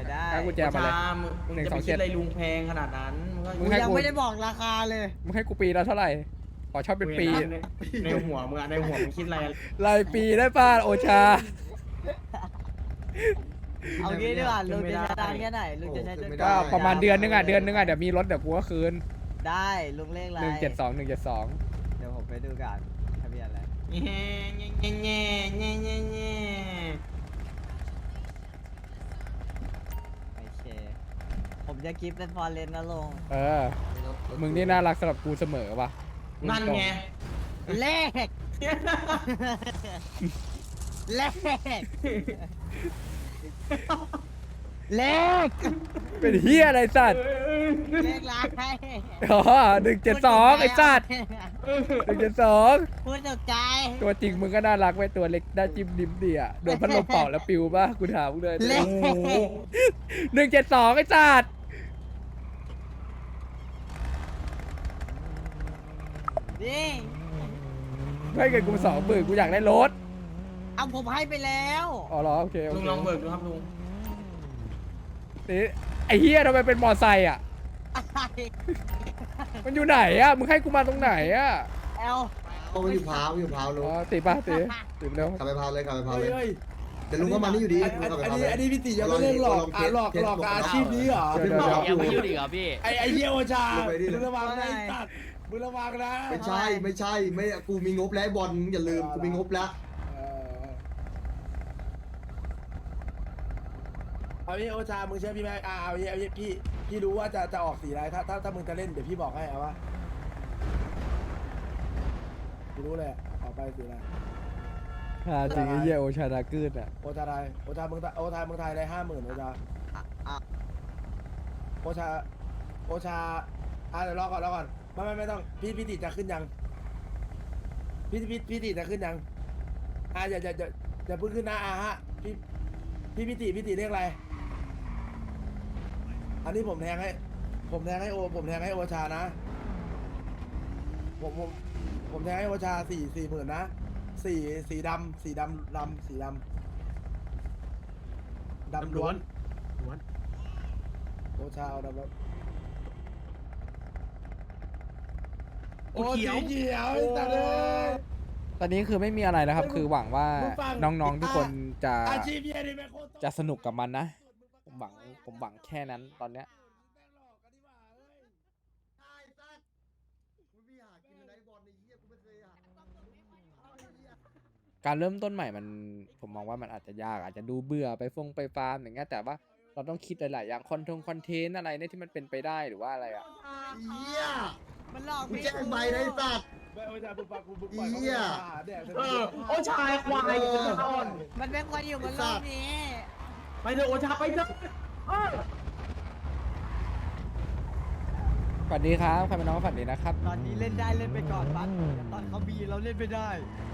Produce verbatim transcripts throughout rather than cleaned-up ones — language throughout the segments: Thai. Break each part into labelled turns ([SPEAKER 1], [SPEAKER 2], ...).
[SPEAKER 1] ได้
[SPEAKER 2] เอากุญแจมาเลย
[SPEAKER 3] มึง
[SPEAKER 2] หนึ่ง
[SPEAKER 3] จะ
[SPEAKER 2] ส
[SPEAKER 3] ไป
[SPEAKER 2] อง
[SPEAKER 3] คิ
[SPEAKER 2] เจ็
[SPEAKER 3] ด
[SPEAKER 2] ด
[SPEAKER 3] อะไรลุงแพงขนาดนั้นมึงก็
[SPEAKER 2] มึ
[SPEAKER 1] กู
[SPEAKER 2] งให้
[SPEAKER 1] ยัง
[SPEAKER 2] กู
[SPEAKER 1] ไม่ได้บอกราคาเลย
[SPEAKER 2] มึงให้กูปีละเท่าไหร่ขอชอบเป็นปี
[SPEAKER 3] ในในหัวมึงอะในหัวมึงคิดอะไร
[SPEAKER 2] รายปีได้ป่ะโอชา
[SPEAKER 1] เอางี้ดีกว่าลุงจะใช้ตังค์แค่ไหนลุงจะใช้จน
[SPEAKER 2] ก็ประมาณเดือนนึงอ่ะเดือนนึงอ่ะเดี๋ยวมีรถเดี๋ยวกูก็คืน
[SPEAKER 1] ได้ลุงเลขอะไร
[SPEAKER 2] หนึ่งเจ็ดสองหนึ่งเจ็ดสอง
[SPEAKER 1] เดี๋ยวผมไปดูกันทะเบียนอะไร
[SPEAKER 3] แง่แง่แง่แง่แง่แง่แง่
[SPEAKER 1] โอเคผมจะกิฟต์เป็นฟอร์เรนนะลุง
[SPEAKER 2] เออมึงนี่น่ารักสำหรับกูเสมอว่ะ
[SPEAKER 3] นั่นไง
[SPEAKER 1] เลขเลขเลข
[SPEAKER 2] เป็นเฮียอะไรสัตว์
[SPEAKER 1] เลขอะไร
[SPEAKER 2] อ๋อหนึ่งเจ็ดสองไอ้สัตว์หนึ่งเจ็ดสอง
[SPEAKER 1] พูดตกใจ
[SPEAKER 2] ตัวจริงมึงก็น่ารักไว้ตัวเล็กได้จิ้มดิมดีอ่ะโดนพัดลมเป่าแล้วปิวป่ะกูถามมึงเลย
[SPEAKER 1] เลข
[SPEAKER 2] หนึ่งเจ็ดสองไอ้สัตว์
[SPEAKER 1] นี่
[SPEAKER 2] ให้เงินกูสองหมื่นกูอยากได้รถ
[SPEAKER 1] เอาผมให้ไปแล้ว
[SPEAKER 2] อ๋อเหรอโอเคโอ
[SPEAKER 3] ลุง
[SPEAKER 2] เค
[SPEAKER 3] ลองเบิกดูครับลุง
[SPEAKER 2] นี่ไอ้เฮียทำไมเป็นมอไซค์อ่ะ มันอยู่ไหนอ่ะ มึงให้กูมาตรงไหนอ่ะ
[SPEAKER 1] เอล
[SPEAKER 4] เอาไปอยู่พาวอยู่พาวลุ
[SPEAKER 2] อ๋
[SPEAKER 4] ง
[SPEAKER 2] อตีป่ะตีตีไปเร็ว
[SPEAKER 4] กลับไปพาวเลยกลับไปพาวเลย
[SPEAKER 5] เฮ้ย
[SPEAKER 4] เดี๋ยวลุงก็มานี่อยู่ดี
[SPEAKER 5] อัน
[SPEAKER 4] ลุงกลับไป
[SPEAKER 5] อัน
[SPEAKER 4] พาว
[SPEAKER 5] นี้
[SPEAKER 4] เลย
[SPEAKER 5] อันนี้พี่ติยังไม่เลิกหลอกอ่ะหลอกหลอกอาชีพนี้เหรอ
[SPEAKER 2] เดี๋ยวเดี๋ยวเดี๋ยว
[SPEAKER 6] ยังไม่หยุดอีกเหรอพี่
[SPEAKER 5] ไอไอเยี่ยวชามึงระวังนะไอ้สัตว์มึงระวังนะ
[SPEAKER 4] ไม่ใช่ไม่ใช่ไม่กูมีงบแล้วไอ้บอลมึงอย่าลืมกูมีงบแล้ว
[SPEAKER 5] เออเอาพี่โอชามึงเชื่อพี่ไหมอ่าเอาพี่เอาพี่พี่พี่รู้ว่าจะจะออกสีอะไรถ้าถ้าถ้ามึงจะเล่นเดี๋ยวพี่บอกให้เอาวะพี่รู้เลยอะออกไปสีอะไร
[SPEAKER 2] อ่าจริงไอ้เหี้ยโอชาดากืดอ่ะ
[SPEAKER 5] โอชาไทยโอชามึงโอชามึงไทยได้ห้าหมื่นโอชา
[SPEAKER 1] อ่ะ
[SPEAKER 5] โอชา โอชา อ่ะเดี๋ยวรอก่อนรอก่อน ไม่ไม่ไม่ต้อง พี่พี่ติจะขึ้นยัง พี่พี่พี่ติจะขึ้นยัง อ่ะอย่าอย่าอย่าอย่าเพิ่งขึ้นนะอ่ะฮะ พี่พี่พี่ติพี่ติเรียกอะไร อันนี้ผมแทงให้ ผมแทงให้โอ ผมแทงให้โอชานะ ผมผมผมแทงให้โอชาสี่สี่หมื่นนะสี่สีดำสีดำดำสีดำดำล้วน โอชาเอาดำล้วน โอ้สีเขียวไอ้สัตว์เลย
[SPEAKER 2] ตอนนี้คือไม่มีอะไรแล้วครับ คือหวังว่า
[SPEAKER 5] มึงฟัง
[SPEAKER 2] น้องๆทุกคนจะ
[SPEAKER 5] อาชีพเหี้ยนี่แม่งโคตร
[SPEAKER 2] จะสนุกกับมันนะ ผมหวังผมหวังแค่นั้นตอนเนี้ย
[SPEAKER 4] ใช่สัตว์กูไม่หากินอะไรบอลในเหี้ยกูไม่เคยหา
[SPEAKER 2] การเริ่มต้นใหม่มันผมมองว่ามันอาจจะยากอาจจะดูเบื่อไปฟงไปฟาร์มอย่างเงี้ยแต่ว่าเราต้องคิดหลายๆอย่างคอนทงคอนเทนต์อะไรเนี่ยที่มันเป็นไปได้หรือว่าอะไรอ่ะ
[SPEAKER 4] เหี้ย
[SPEAKER 1] มันหลอก
[SPEAKER 4] กู
[SPEAKER 1] พี่
[SPEAKER 4] แจ้งใบนะไอ้สัตว์
[SPEAKER 5] ไม่โอชาบุปผากูบุปผา
[SPEAKER 4] เหี้ย
[SPEAKER 3] เออโอชายควายอ่อน
[SPEAKER 1] มันเป็นคนอยู่บนโลกนี้
[SPEAKER 3] ไปเถอะโอชาไปเถอะเออ
[SPEAKER 2] ฝันดีครับใครเป็นน้องก็ฝันดีนะครับ
[SPEAKER 1] ตอนนี้เล่นได้เล่นไปก่อนบัสแต่ตอนเขาบีเราเล่นไม่ได้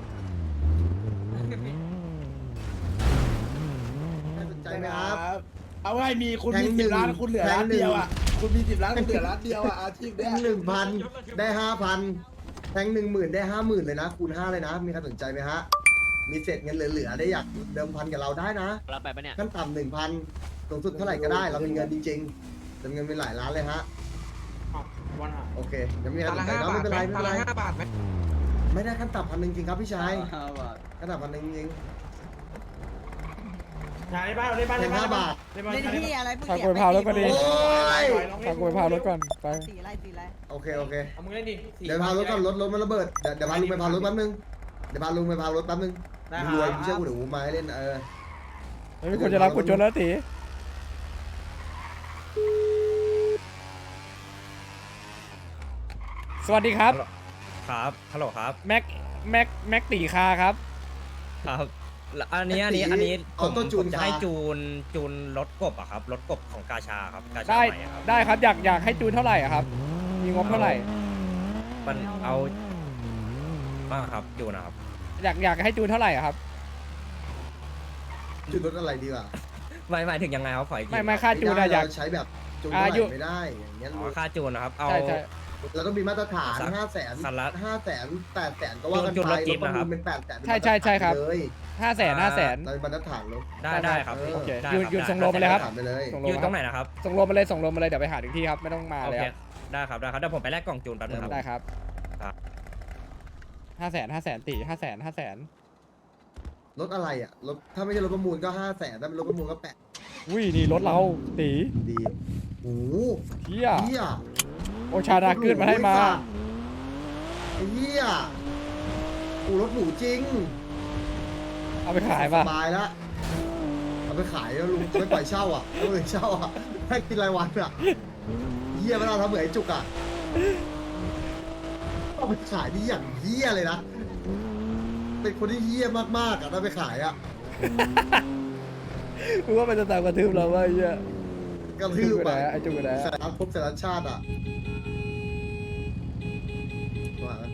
[SPEAKER 4] น่าสนใจ
[SPEAKER 5] ใช่
[SPEAKER 4] ไห
[SPEAKER 5] ไห
[SPEAKER 4] ม
[SPEAKER 5] ม
[SPEAKER 4] ค
[SPEAKER 5] ค
[SPEAKER 4] รั
[SPEAKER 5] รับ บ เอาไว้มีคุณ
[SPEAKER 4] แท
[SPEAKER 5] มี
[SPEAKER 4] งหนึ่
[SPEAKER 5] สิบ
[SPEAKER 4] ง
[SPEAKER 5] ล้านคุณเหลือ
[SPEAKER 4] แทง
[SPEAKER 5] ล้าน
[SPEAKER 4] หนึ่ง
[SPEAKER 5] เดียวอ่ะ คุณมีสิบล้านคุณเหลือล้านเดียวอ่ะอาชีพ
[SPEAKER 4] แท
[SPEAKER 5] เนี้ย
[SPEAKER 4] งหนึ่งพันได้ห้าพันแทงหนึ่งหมื่นได้ห้าหมื่นเลยนะคูณห้าเลยนะ มีใครสนใจไหมฮะ มีเศษเงินเหลือๆได้อยากเดิมพันกับเราได้นะ
[SPEAKER 6] เราไปปะเนี่ย
[SPEAKER 4] ขั้นต่ำหนึ่งพันสูงสุดเท่าไหร่ก็ได้ เรามีเงินจริงๆแต่เงินเป็นหลายล้านเลยฮะ
[SPEAKER 3] วันหา
[SPEAKER 4] โอเคยังไม่มีใครสนใจก็ไม่เป็นไรไม่เป็นไร
[SPEAKER 3] ห้าบาทไหม
[SPEAKER 4] ไม่ได้ขั้นต่ำพันหนึ่งจริงครับพี่ชายขั้นต่ำพันหนึ่งจริง
[SPEAKER 3] ใช่บ้านในบ้าน
[SPEAKER 4] แทงห้าบาท
[SPEAKER 3] ในบ้าน
[SPEAKER 1] เล่นที่อะไรเพิ่ง
[SPEAKER 2] ฝาก
[SPEAKER 1] เขีย
[SPEAKER 2] กดพาวแล้วก็ดี
[SPEAKER 4] โอ้ย
[SPEAKER 2] ฝากกดพาวรถก่อนไป
[SPEAKER 1] สีอะไรสีอะไร
[SPEAKER 4] โอเคโอเค
[SPEAKER 3] เอามึงเล่นดิ
[SPEAKER 4] เดี๋ยวพารถก่อนรถรถมันระเบิดเดี๋ยวเดี๋ยวพาลุงไปพารถแป๊บนึงเดี๋ยวพาลุงไปพารถแป๊บนึง
[SPEAKER 3] ได้ค
[SPEAKER 4] รวย
[SPEAKER 3] รับ
[SPEAKER 4] ไม่เชื่อกูเดี๋ยวกูมาให้เล่นเออ
[SPEAKER 2] ไม่มีคนจะรับกูจนแล้วตีสวัสดีครับ
[SPEAKER 6] ครับฮัลโหลครับ
[SPEAKER 2] แม็กแม็กแม็กตีคาครับ
[SPEAKER 6] ครับแล้วอันนี้อันนี้อันนี้ผ
[SPEAKER 4] ออ
[SPEAKER 6] ม
[SPEAKER 4] โต้จู
[SPEAKER 6] ผ
[SPEAKER 4] น
[SPEAKER 6] มจะ
[SPEAKER 4] คา
[SPEAKER 6] ให้จูนจูนรถกบอะครับรถกบของกาชาครับกาชา
[SPEAKER 2] ได้
[SPEAKER 6] ใหม่อะครับ
[SPEAKER 2] ได้ครับอยากอยากให้จูนเท่าไหร่อะครับ มีงบเท่าไหร่
[SPEAKER 6] มันเอาบ้างครับจูนนะครับ
[SPEAKER 2] อยากอยากให้จูนเท่าไหร่อะครับ
[SPEAKER 4] จุดรถอะไรดีกว่า
[SPEAKER 6] หมายหมายถึงยังไงครับขออีกที
[SPEAKER 2] ไม่ไม่ค่าจูนอะอยาก
[SPEAKER 4] เรใช้แบบจูน
[SPEAKER 2] อ่า
[SPEAKER 4] เท่าไห
[SPEAKER 2] อยู่
[SPEAKER 4] ร่ไม่ได้อย่างเงี้ย
[SPEAKER 6] อ๋อค่าจูนนะครับเอา
[SPEAKER 2] ใช่ใช่
[SPEAKER 4] เราต้องมีมาตรฐาน
[SPEAKER 6] สัก
[SPEAKER 4] ห้าแสน
[SPEAKER 6] คันละ
[SPEAKER 4] ห้าแสนแปดแสนก็ว่ากัน
[SPEAKER 6] จุด
[SPEAKER 4] ไป
[SPEAKER 6] รถจิ๊
[SPEAKER 4] ร
[SPEAKER 6] บ
[SPEAKER 4] ถประ
[SPEAKER 6] นะครั
[SPEAKER 4] มู
[SPEAKER 6] บ
[SPEAKER 4] ลเป็นแปดแสน
[SPEAKER 2] ใช่ใช่ใช่ครับ
[SPEAKER 4] เลย
[SPEAKER 2] ห้าแสนห้าแสน
[SPEAKER 4] เราเป็นมาตรฐานเลย
[SPEAKER 6] ได้ได้ครับ
[SPEAKER 4] เออ
[SPEAKER 2] โอเค
[SPEAKER 6] ได้
[SPEAKER 2] ยืน
[SPEAKER 6] ครับ
[SPEAKER 2] ยืน
[SPEAKER 6] ได้
[SPEAKER 2] ส่งโลมาเลยครับ
[SPEAKER 4] ถามไปเลย
[SPEAKER 2] ส่งโล
[SPEAKER 6] อยู่
[SPEAKER 2] มา
[SPEAKER 6] ตรงไหนนะครับ
[SPEAKER 2] ส่งโลมาเลยส่งโลมาเลยเดี๋ยวไปหาถึงที่ครับไม่ต้องมา
[SPEAKER 6] โอ
[SPEAKER 2] เลย
[SPEAKER 6] เค
[SPEAKER 2] ครับ
[SPEAKER 6] ได้ครับได้ครับเดี๋ยวผมไปแลกกล่องจูนแป๊บนึงครับ
[SPEAKER 2] ได้ครับ
[SPEAKER 6] ครับ
[SPEAKER 2] ห้าแสนห้าแสนตีห้าแสนห้าแสน
[SPEAKER 4] รถอะไรอ่ะรถถ้าไม่ใช่รถประมูลก็ห้าแสนถ้าเป็นรถประมูลก็แปด
[SPEAKER 2] อุ้ยนี่รถเราตี
[SPEAKER 4] ดีโอ้โห
[SPEAKER 2] เฮีย
[SPEAKER 4] เฮีย
[SPEAKER 2] โอชาดาขึ้นมาให้มา
[SPEAKER 4] ไอ้เฮียกูรถหรูจริง
[SPEAKER 2] เอาไปขายป่ะ
[SPEAKER 4] สบายแล้วเอาไปขายแล้วลุงไม่ปล่อยเช่าอ่ะไม่ปล่อยเช่าอ่ะให้กินรายวันอ่ะเฮียเวลาทำเหมือนไอ้จุกอ่ะเอาไปขายนี่อย่างเฮียเลยนะเป็นคนที่เฮียมากๆอ่ะถ้าไปขายอ่ะ
[SPEAKER 2] รู้ว่ามันจะตามกระทืบเราว่าเฮีย
[SPEAKER 4] กระทืบ
[SPEAKER 2] ไป
[SPEAKER 4] อ่ะ
[SPEAKER 2] ไหนไอ้จุกไปไหน
[SPEAKER 4] สารพบสารชาติอ่ะว่าไหม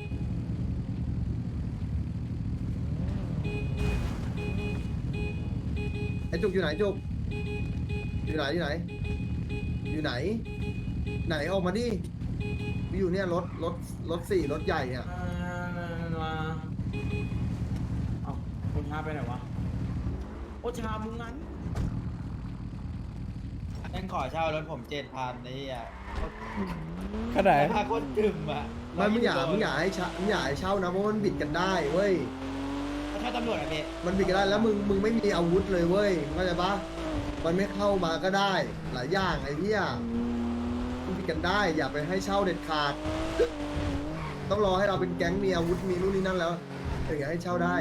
[SPEAKER 4] ไอ้จุกอยู่ไหนจุกอยู่ไหนอยู่ไหน อยู่ไหน ไหนออกมาดิอยู่เนี่ยรถรถรถสี่รถใหญ่เนี่ย
[SPEAKER 3] มาเอาโอชาไปไหนวะโอชามึงงั้น
[SPEAKER 1] แม่งขอเช่ารถผมเจ็ดพันนี่อ่ะ
[SPEAKER 2] ขนาดไหน
[SPEAKER 1] พาคนดื่มอ่ะ
[SPEAKER 4] ไม่มึงอย่ามึงอย่าให้เช่ามึงอย่าให้เช่านะเพราะมันบิดกันได้เว้ย
[SPEAKER 1] เขาเช่าตำรวจอ่ะพี่
[SPEAKER 4] มันบิดกันได้แล้วมึงมึงไม่มีอาวุธเลยเว้ยเข้าใจปะมันไม่เข้ามาก็ได้ หลายอย่างไอ้เหี้ยมันบิดกันได้ อย่าไปให้เช่าเด็ดขาด ต้องรอให้เราเป็นแก๊งมีอาวุธมีนู่นนี่นั่นแล้วถึงจะให้เช่าได้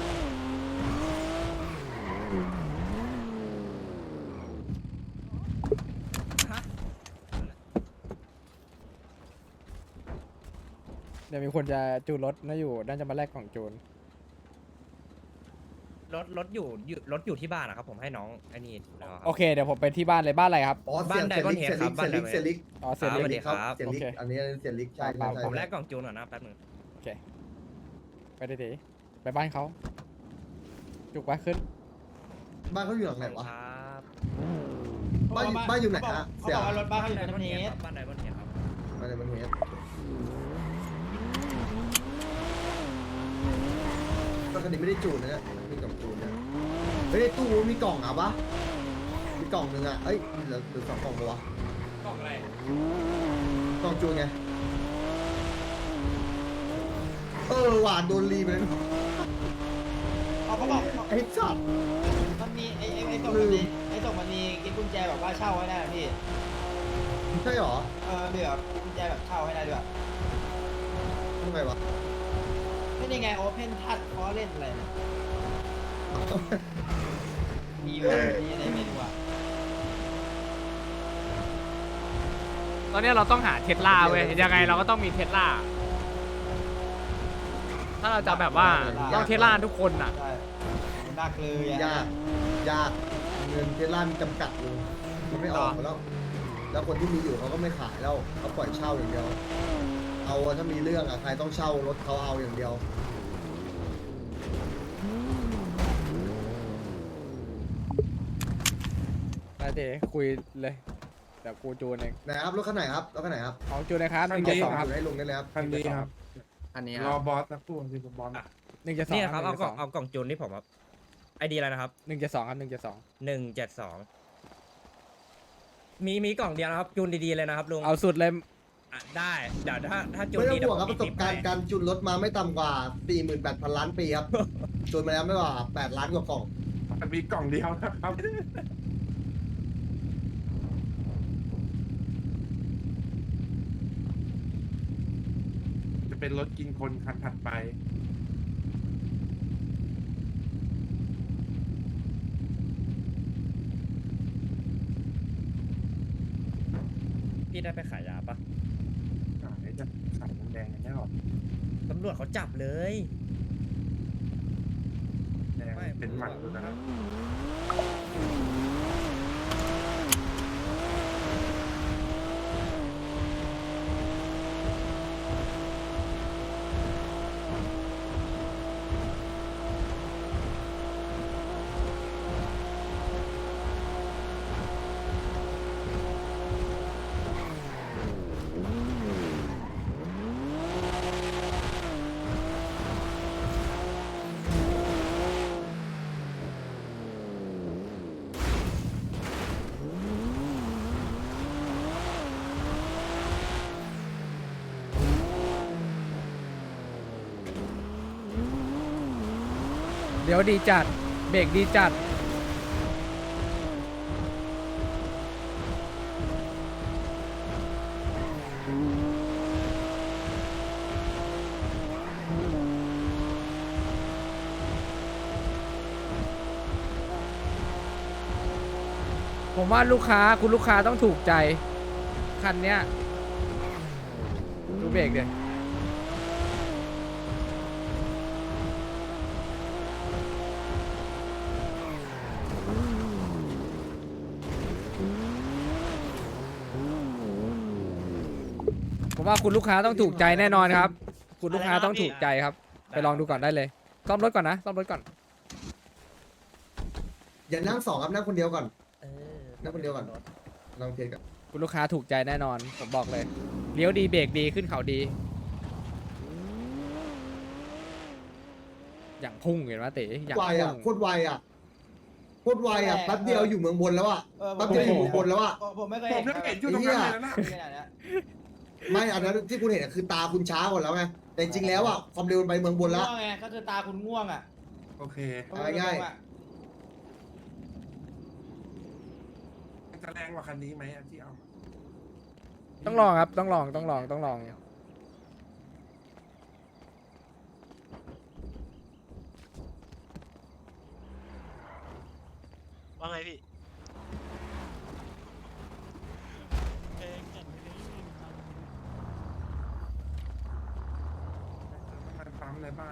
[SPEAKER 2] เดี๋ยวมีคนจะจูนรถน่าอยู่น่าจะมาแลกกล่องจูน
[SPEAKER 6] รถรถอยู่อยู่รถอยู่ที่บ้านนะครับผมให้น้องไอ้นี่แล้วครับ
[SPEAKER 2] โอเคเดี๋ยวผมไปที่บ้านเลยบ้านอะไรครับ
[SPEAKER 4] อ๋อ
[SPEAKER 6] บ้าน
[SPEAKER 4] เสีย
[SPEAKER 6] Diamond
[SPEAKER 4] เสีย
[SPEAKER 6] Head
[SPEAKER 4] ลิก
[SPEAKER 6] ครับ
[SPEAKER 4] เสียลิก
[SPEAKER 6] บ้าน
[SPEAKER 4] เสียลิก
[SPEAKER 6] Diamond
[SPEAKER 2] อ๋อเสร็จ
[SPEAKER 6] สวัสดี
[SPEAKER 2] แล้ว
[SPEAKER 6] ครับ
[SPEAKER 4] เสียลิก
[SPEAKER 2] โอเค
[SPEAKER 4] อันนี้เสียลิกใช่
[SPEAKER 2] เปล่า
[SPEAKER 4] ใช่
[SPEAKER 6] ผมแล
[SPEAKER 4] ใช่
[SPEAKER 6] กกล่องจูนก่อนนะแป๊บนึง
[SPEAKER 2] โอเคไปได้ดีไปบ้านเขาจุกไปขึ้น
[SPEAKER 4] บ้านเขาอยู่หลังไหนวะ
[SPEAKER 6] ครับ
[SPEAKER 4] บ้านอยู่บ้านอยู่ไหนฮะ
[SPEAKER 1] เขา
[SPEAKER 4] เสีย
[SPEAKER 1] บอกว่ารถบ้านเขาอยู่ใน
[SPEAKER 6] บ้าน
[SPEAKER 1] ประเทศ
[SPEAKER 6] บ้านไดมอนด์เฮดครับ
[SPEAKER 4] บ้านในมันเฮดรถคันนี้ไม่ได้จูนนะเนี่ยมีกล่องจูนนะเฮ้ยในตู้มีกล่องอ่ะปะมีกล่องหนึ่งอ่ะเอ้ยเหลือเหลือสองกล่องปะวะ
[SPEAKER 6] กล่องอะไร
[SPEAKER 4] กล่องจูนไงเออหวานโดนรีไปแล้ว
[SPEAKER 1] เขาเขาบอก
[SPEAKER 4] ไอ้สัตว์
[SPEAKER 1] มันมีไอ้ไอ้ไอ้ส่งมันมีไอ้ส่งมันมีกินกุญแจแบบว่าเช่าให้ได้นะพี่
[SPEAKER 4] ใช่หรอ
[SPEAKER 1] เออเดี๋ยวกุญแจแบบเช่าให้ได้ด้วย
[SPEAKER 4] ทำไมวะ
[SPEAKER 1] ไม่ได้ไงโอเพนทัชเขาเล่นอะไรเนี่ยมีอยู่นี่อะไรไม่รู้อ่ะ
[SPEAKER 7] ตอนนี้เราต้องหาเทสลาเว้ยยังไงเราก็ต้องมีเทสลาถ้าเราจะแบบว่าต้องเทสลาทุกคนอ่ะ
[SPEAKER 1] ใช่หนักเลยอ่ะ
[SPEAKER 4] ยากยากเงินเทสลามีจำกัดเลยมันไม่ออกมาแล้ว แล้วคนที่มีอยู่เขาก็ไม่ขายแล้วเขาปล่อยเช่าอย่างเดียว เอาถ้ามีเรื่องอะใครต้องเช่ารถเขาเอาอย่างเดียว
[SPEAKER 2] ได้เดคุยเลยเดี๋ยวกูจูนเอง
[SPEAKER 4] ไหนครับรถคันไหนครับรถคันไหนครับ
[SPEAKER 2] ของจูนนะครับห
[SPEAKER 5] คัน
[SPEAKER 2] นึ่ง
[SPEAKER 5] นี้
[SPEAKER 2] เจ็ดสอง
[SPEAKER 4] อ
[SPEAKER 2] ครับ
[SPEAKER 4] ยู่ให้ลุงได้เลยครับ
[SPEAKER 5] คันนี้ครับ
[SPEAKER 6] อันนี้
[SPEAKER 5] ร
[SPEAKER 6] ค
[SPEAKER 5] อ
[SPEAKER 6] รับบ
[SPEAKER 5] อสสักครู่สิบอล
[SPEAKER 2] หนึ่งเจ็ดสอง
[SPEAKER 6] นี่ครับเอากล่องเอากล่องจูนที่ผมครับไอดีอะไรนะครับ
[SPEAKER 2] หนึ่งเจ็ดสองครับหนึ่งเจ็ดสอง
[SPEAKER 6] หนึ่งเจ็ดสองมีมีกล่องเดียวนะครับจูนดีๆเลยนะครับลุง
[SPEAKER 2] เอาสุดเลย
[SPEAKER 6] อ่ะได้เดี๋ยวถ้าถ้าจูน
[SPEAKER 4] ไม่ต้อ
[SPEAKER 6] ดี
[SPEAKER 4] ง
[SPEAKER 6] เดี๋ย
[SPEAKER 4] ห่
[SPEAKER 6] ว
[SPEAKER 4] วง
[SPEAKER 6] ผ
[SPEAKER 4] ครับ
[SPEAKER 6] ม
[SPEAKER 4] ประสบการณ์การจุนรถมาไม่ต่ำกว่า สี่หมื่นแปดพัน ล้านปีครับ จุนมาแล้วไม่กว่า แปด ล้านกว่ากล่อง
[SPEAKER 5] มีกล่องเดียวนะครับ จะเป็นรถกินคนคันถัดไป
[SPEAKER 6] พี่ได้ไปขายยาปะ
[SPEAKER 5] ขายจะขายน้ำแดงกันได้หรอ
[SPEAKER 6] ตำรวจเขาจับเลย
[SPEAKER 5] แดงเป็นหมันอยู่นะครับ
[SPEAKER 7] เดี๋ยวดีจัดเบรกดีจัดผมว่าลูกค้าคุณลูกค้าต้องถูกใจคันเนี้ยดูเบรกเดี๋ยผมว่าคุณลูกค้าต้องถูกใจแน่นอนครับ คุณลูกค้าต้องถูกใจครับ ไปลองดูก่อนได้เลยซ่อมรถก่อนนะซ่อมรถก่อน
[SPEAKER 4] อย่านั่งสองครับนั่งคนเดียวก่อนนั่งคนเดียวก่อนลองเทสกัน
[SPEAKER 7] คุณลูกค้าถูกใจแน่นอนผมบอกเลยเลี้ยวดีเบรกดีขึ้นเขาดี อย่างพุ่งเห็นไหมเต๋อย่าง
[SPEAKER 4] ไว
[SPEAKER 7] พุ่
[SPEAKER 4] อ่ะ
[SPEAKER 7] ง
[SPEAKER 4] โคตรไวอ่ะโคตรไวอ่ะแป๊บเดียวอยู่เมืองบนแล้วอ่ะแป๊บเดียวอยู่เมืองบนแล้วอ่ะ
[SPEAKER 3] ผมไม่เคย
[SPEAKER 5] ผมยังเห็นอยู่ตรงนั้นเลยนะ
[SPEAKER 3] ขนาดนี้
[SPEAKER 4] ไม่อันนั้นที่คุณเห็นอะคือตาคุณช้ากว่าแล้วไงแต่จริงๆแล้วอ่ะความเร็วมันไปเมืองบนแล้ว
[SPEAKER 3] ง่วงไงก็คือตาคุณง่วงอ่ะ
[SPEAKER 5] โอเค
[SPEAKER 4] เอาง่าย
[SPEAKER 5] มันจะแรงกว่าคันนี้ไหมอะที่เอา
[SPEAKER 7] ต้องลองครับต้องลองต้องลองต้องลอง
[SPEAKER 8] ว่าไงพี่
[SPEAKER 5] มันปั๊มในบ้าน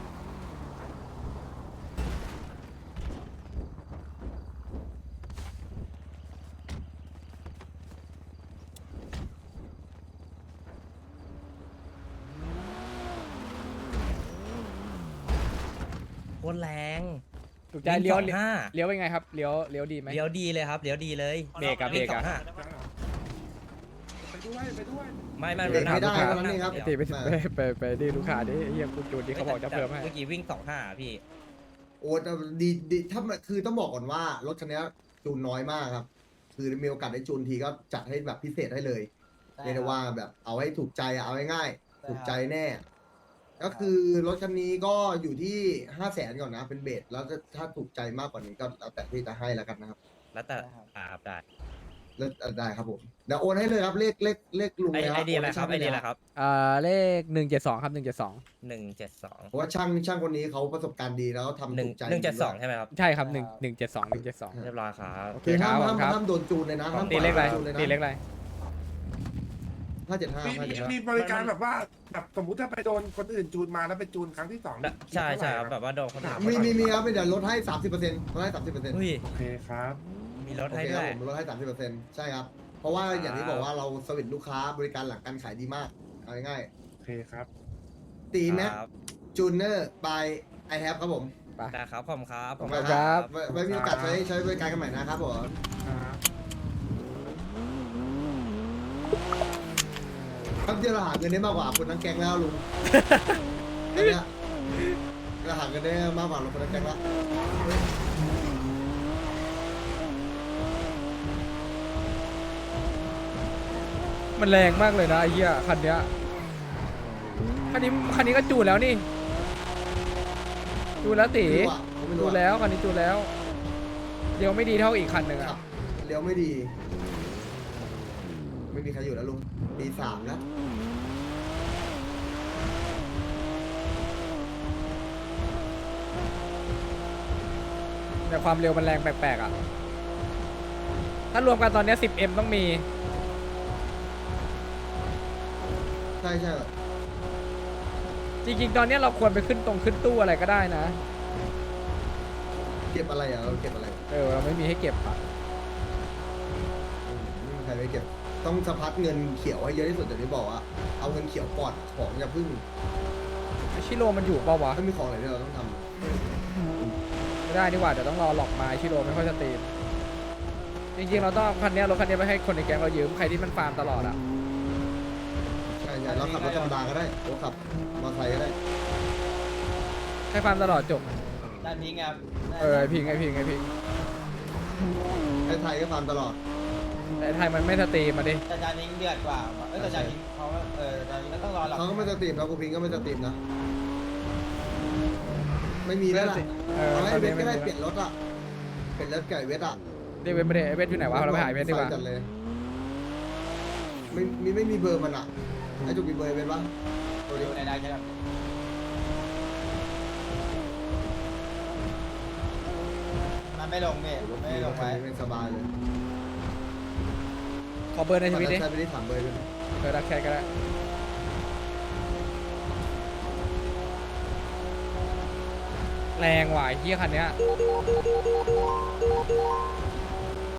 [SPEAKER 6] โคตรแรง
[SPEAKER 7] ถูกใจเลี้ยว
[SPEAKER 6] วิ่งสองห้า
[SPEAKER 7] เลี้ยวเป็นไงครับเลี้ยวเลี้ยวดีไหม
[SPEAKER 6] เลี้ยวดีเลยครับเลี้ยวดีเลย
[SPEAKER 7] เบรกอะเบรกอะ
[SPEAKER 6] วิ่งสองห้า
[SPEAKER 5] ไปด้วยไปด้วย
[SPEAKER 6] ไม่ไม่
[SPEAKER 4] เบรกไม่ได้
[SPEAKER 6] ถา
[SPEAKER 4] วันนี้ครับ
[SPEAKER 7] ไอตีไปไปไปไปดิลูกค้าดิเฮียคุณจูนดิเขาบอกจะเพิ่มให้
[SPEAKER 6] เมื่อกี้วิ่งสองห้าพี่
[SPEAKER 4] ๆโอ้แต่ดีดีถ้ามันคือต้องบอกก่อนว่ารถคันนี้จูนน้อยมากครับ คือมีโอกาสได้จูนทีก็จัดให้แบบพิเศษให้เลยเรียกได้ว่าแบบเอาให้ถูกใจอะเอาง่ายๆถูกใจแน่ ก็คือรถคันนี้ก็อยู่ที่ห้าแสนก่อนนะเป็นเบสแล้วถ้าถูกใจมากกว่านี้ก็แล้วแต่ที่จะให้แล้วกันนะครับ
[SPEAKER 6] แล้วแต่อ่าครับได้
[SPEAKER 4] แล้วได้ครับผมเดี๋ยวโอนให้เลยครับเลขเลขเลขลุง
[SPEAKER 6] ไอ
[SPEAKER 4] เลยค
[SPEAKER 6] ไอ
[SPEAKER 4] รับ
[SPEAKER 6] เดียอะไรครับ
[SPEAKER 4] โน
[SPEAKER 6] ไอ
[SPEAKER 4] ให้
[SPEAKER 6] เดีย
[SPEAKER 4] ช่าง
[SPEAKER 6] อะไรครับ
[SPEAKER 7] อ่าเลขหนึ่งเจ็ดสองครับหนึ่งเจ็ดสอง
[SPEAKER 6] หนึ่งเจ็ดสอง
[SPEAKER 4] เพราะว่าช่างช่างคนนี้เขาประสบการณ์ดีแล้วทำ
[SPEAKER 6] หนึ่ง
[SPEAKER 4] ถูกใจ
[SPEAKER 6] หนึ่งเจ็ดสองใช่ไหมครับ
[SPEAKER 7] ใช่ครับหนึ่งหนึ่งเจ็ดสองหนึ่งเจ็ดสอง
[SPEAKER 6] เรียบร้อยครับ
[SPEAKER 7] โอเค
[SPEAKER 4] คือ
[SPEAKER 7] ครั
[SPEAKER 4] ห้า
[SPEAKER 7] บ
[SPEAKER 4] มห้าม
[SPEAKER 7] ครับ
[SPEAKER 4] ห้ามโดนจูนเลยนะห้าม
[SPEAKER 7] ตีเลขอะไร
[SPEAKER 4] จูนเลยนะ
[SPEAKER 7] ตีเลขอะไร
[SPEAKER 4] ห้าเจ็ดห้า
[SPEAKER 5] มี
[SPEAKER 4] ห้า
[SPEAKER 5] มี
[SPEAKER 4] เจ็ดห้า
[SPEAKER 5] มีบริการแบบว่าแบบสมมุติถ้าไปโดนคนอื่นจูนมาแล้วไปจูนครั้งที่สอง
[SPEAKER 6] ใช่ใช่ครับแบบว่าโดนคนถาม
[SPEAKER 4] มีมีมีครับเดี๋ยวลดให้สามสิบเปอร์เซ็นต์ลดให้สามสิบเปอร์เซ็นต์
[SPEAKER 6] เฮ้ย
[SPEAKER 5] โอเคครับ
[SPEAKER 6] มีรถ
[SPEAKER 4] โอ
[SPEAKER 6] ให้
[SPEAKER 4] เค
[SPEAKER 6] ด้
[SPEAKER 4] คว รับ
[SPEAKER 6] ย
[SPEAKER 4] ผมลดให้สามสิบเปอร์เซ็นต์ใช่ครับ เพราะว่าอย่างที่บอกว่าเราสวิตลูกค้าบริการหลังการขายดีมากเอาง่าย
[SPEAKER 5] โอเคครับ
[SPEAKER 4] ๆตีแม็ก
[SPEAKER 6] ครับ
[SPEAKER 4] จูเนอร์บายไอแฮปครับผม
[SPEAKER 6] ได้ครับขอบคุณครับ
[SPEAKER 4] ขอบ
[SPEAKER 6] ข
[SPEAKER 4] คุ
[SPEAKER 6] อบ
[SPEAKER 4] ณ
[SPEAKER 6] ณ
[SPEAKER 4] ครับไว้ไว้มีโอกาสใช้ใช้บริการกันใหม่นะครับผม
[SPEAKER 5] ครับ
[SPEAKER 4] ครับเดี๋ยวเราหาเงินได้มากกว่าคนทั้งแก๊งแล้วลุงตอนเนี้ยเราหาเงินได้มากกว่าคนทั้งแก๊งแล้ว
[SPEAKER 7] มันแรงมากเลยนะไอ้เหี้ยคันเนี้ยคันนี้คันนี้ก็จูนแล้วนี่จูนแล้วตี
[SPEAKER 4] ไม่รู้อะผมไม่รู้
[SPEAKER 7] จู
[SPEAKER 4] อะ
[SPEAKER 7] นแล้วคันนี้จูนแล้วเดี๋ยวไม่ดีเท่าอีกคันหนึ่ง
[SPEAKER 4] ครั
[SPEAKER 7] อ่ะ
[SPEAKER 4] บเลี้ยวไม่ดี ไม่มีใครอยู่แล้วลุงปีสามแล้ว
[SPEAKER 7] แต่ความเร็วมันแรงแปลกๆอ่ะถ้ารวมกันตอนเนี้ย สิบเอ็ม ต้องมี
[SPEAKER 4] ใช่ใช่
[SPEAKER 7] จริงๆ ตอนเนี้ยเราควรไปขึ้นตรงขึ้นตู้อะไรก็ได้นะ
[SPEAKER 4] เก็บอะไรอ่ะเราเก็บอะไร
[SPEAKER 7] เออเราไม่มีให้เก็บอ่ะ
[SPEAKER 4] ไม่มีใครไม่เก็บ ต้องสะพัดเงินเขียวให้เยอะที่สุดอย่างที่บอกว่าเอาเงินเขียวก่อนของอย่าพึ่ง
[SPEAKER 7] ชิโร่มันอยู่เปล่าวะ
[SPEAKER 4] ถ้ามีของอะไรที่เราต้องท
[SPEAKER 7] ไม่ได้ดีกว่าเดี๋ยวต้องรอหลอกมาชิโร่ไม่ค่อยจะตีมจริงๆ เราต้องเอาคันเนี้ยรถคันเนี้ยไปให้คนในแก๊งเรายืมใครที่มันฟาร์มตลอดอ่ะ
[SPEAKER 4] ำใช่ใช่เราขับรถธรรมดาก็ได้เราขับมอเตอร์ไซค์ก็ได้
[SPEAKER 7] ให้ฟาร์มตลอดจบ
[SPEAKER 3] ด้านนี้ครับ
[SPEAKER 7] เออไอพิงไอพิงไอพิง
[SPEAKER 4] ไอ้ไทยก็ฟาร์มตลอด
[SPEAKER 7] แต่ไทยมันไม่สตรีมมาดิ
[SPEAKER 3] แต่จานนี้เดือดกว่าเออแต่จานนี้เขาเออจานนี้ก็ต้องรอหลับ
[SPEAKER 4] เขาก็ไม่สตรีมแล้วกูพิงก็ไม่สตรีมนะไม่มีแล้วล่ะ
[SPEAKER 7] เออ
[SPEAKER 4] เอา
[SPEAKER 7] ต
[SPEAKER 4] ให้
[SPEAKER 7] อน
[SPEAKER 4] เว
[SPEAKER 7] นี้
[SPEAKER 4] ท
[SPEAKER 7] ไม่
[SPEAKER 4] ก็ได้
[SPEAKER 7] มี
[SPEAKER 4] เปลี่ยนรถอ่ะเปลี่ยนรถไก่เวทอ่ะ
[SPEAKER 7] เรียกเวทไม่ได้เวทอยู่ไหนวะเราไปหาเวทดีกว่า
[SPEAKER 4] จัดเลยไม่มีไม่มีเบอร์มันอ่ะไอ้จุกมีเบอร์เวทปะตัวนี้
[SPEAKER 3] ในได้แค่นั้น
[SPEAKER 1] มันไม่ลงเมทไม่ลงไว้
[SPEAKER 4] ไม่สบายเลย
[SPEAKER 7] ขอเบอร์ในชีวิตดิ
[SPEAKER 4] ใช้ไปได้สามเบอร์ด้วย
[SPEAKER 7] เบอร์รักแค่ก็ได้แรงว่ะไอ้เฮียคันเนี้ย